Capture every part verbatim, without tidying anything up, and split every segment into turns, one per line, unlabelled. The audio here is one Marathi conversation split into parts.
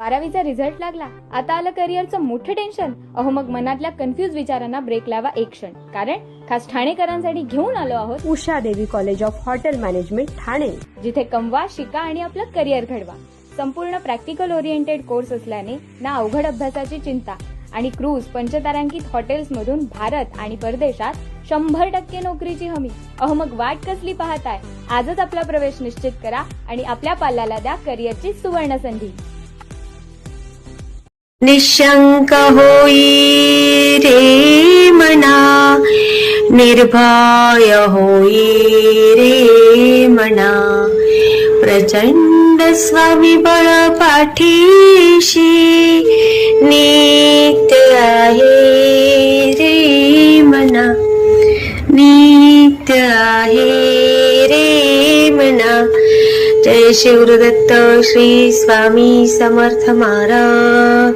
बारावीचा रिझल्ट लागला, आता आलं करिअरचं मोठं टेन्शन. अहो मग मनातल्या कन्फ्युज विचारांना ब्रेक लावा एक क्षण, कारण खास ठाणेकरांसाठी घेऊन आलो आहोत
Usha Devi college of hotel management Thane,
जिथे कमवा, शिका आणि आपलं करिअर घडवा. संपूर्ण प्रॅक्टिकल ओरिएंटेड कोर्स असल्याने ना अवघड अभ्यासाची चिंता आणि क्रूज पंचतारांकित हॉटेल्स मधून भारत आणि परदेशात शंभर टक्के नोकरीची हमी. अहो मग वाट कसली पाहताय, आजच आपला प्रवेश निश्चित करा आणि आपल्या पाल्याला द्या करिअरची सुवर्ण संधी.
निशंक होई रे मना, निर्भय होई रे मना, प्रचंड स्वामीबळ पाठीशी नित्य आहे रे मना, नित्य आहे रे मना. जय शिवदत्त श्री स्वामी समर्थ महाराज.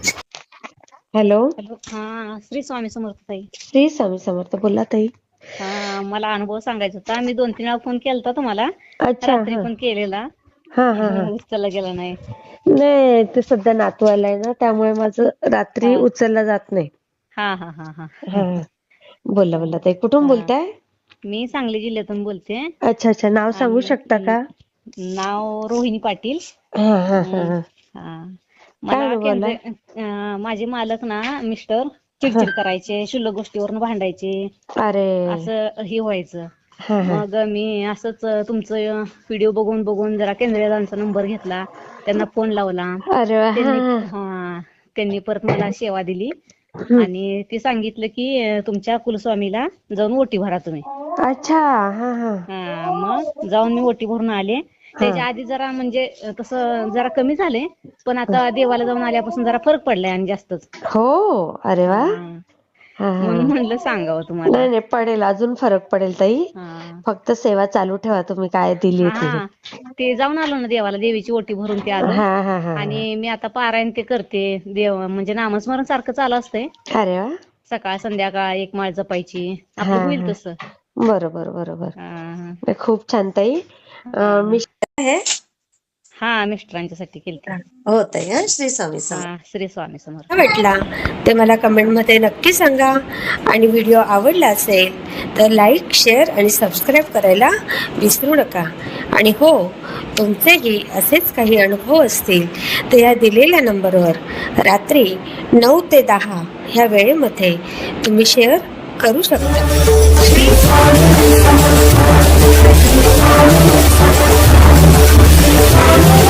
हॅलो
हॅलो, हा श्री स्वामी समर्थ ताई.
श्री स्वामी समर्थ. बोला ताई.
हा, मला अनुभव सांगायचा होता. मी दोन तीन वेळा फोन केलता तुम्हाला,
अच्छा.
रात्री पण केलेला,
हा हा हा.
उचलला गेला नाही.
नाही, ते सध्या नातू आलाय ना, त्यामुळे माझं रात्री
हा.
उचलला जात नाही.
हा हा हा हा
हा. बोला बोला ताई, कुठून
हा.
बोलताय?
मी सांगली जिल्ह्यातून बोलते.
अच्छा अच्छा. नाव सांगू
आणि
शकता का?
नाव रोहिणी पाटील.
हा हा हा हा.
हा.
काय
मला
बोला?
केंद्र अं, माझे मालक ना मिस्टर चिडचिड करायचे, शुल्लक गोष्टीवरून भांडायचे,
अरे.
असं हे व्हायचं.
हा हा.
मग मी असंच तुमचं व्हिडिओ बघून बघून जरा केंद्रेदांचा नंबर घेतला, त्यांना फोन लावला.
अरे वा.
त्यांनी
हा
हा त्यांनी परत मला सेवा दिली
हम्म.
आणि ती सांगितलं की अं, तुमच्या कुलस्वामीला जाऊन ओटी भरा तुम्ही.
अच्छा. हा हा.
हा, मग जाऊन मी ओटी भरून आले. त्याच्या आधी जरा म्हणजे अं, तसं जरा कमी झाले, पण आता देवाला जाऊन आल्यापासून जरा फरक पडलाय आणि जास्तच.
हो. अरे वा.
हा.
हा हा.
म्हणून म्हणलं सांगावं तुम्हाला.
नाही नाही, पडेल, अजून फरक पडेल ताई.
हा
फक्त सेवा चालू ठेवा तुम्ही काय दिली ती.
हा, ते जाऊन आलो ना देवाला, देवीची ओटी भरून ते आलो.
हा हा हा.
आणि मी आता पारायण ते करते, देव म्हणजे नामस्मरण सारखं चालू असतंय.
अरे वा.
सकाळ संध्याकाळ एक माळ जपायची,
हा
आपलं होईल
हा.
तसं.
बरोबर बरोबर.
हा हा.
नाही, खूप छान ताई.
हा.
मी आहे.
हा, मिस्टरांच्यासाठी केलते.
हो ताई. हा, श्री स्वामी समर्थ.
हा, श्री स्वामी समर्थ.
भेटला ते मला कमेंटमध्ये नक्की सांगा. आणि व्हिडिओ आवडला असेल तर लाईक, शेअर आणि सबस्क्राईब करायला विसरू नका. आणि हो, तुमचेही असेच काही अनुभव असतील तर या दिलेल्या नंबरवर रात्री नऊ ते दहा ह्या वेळेमध्ये तुम्ही शेअर करू शकता. श्री स्वामी समर्थ.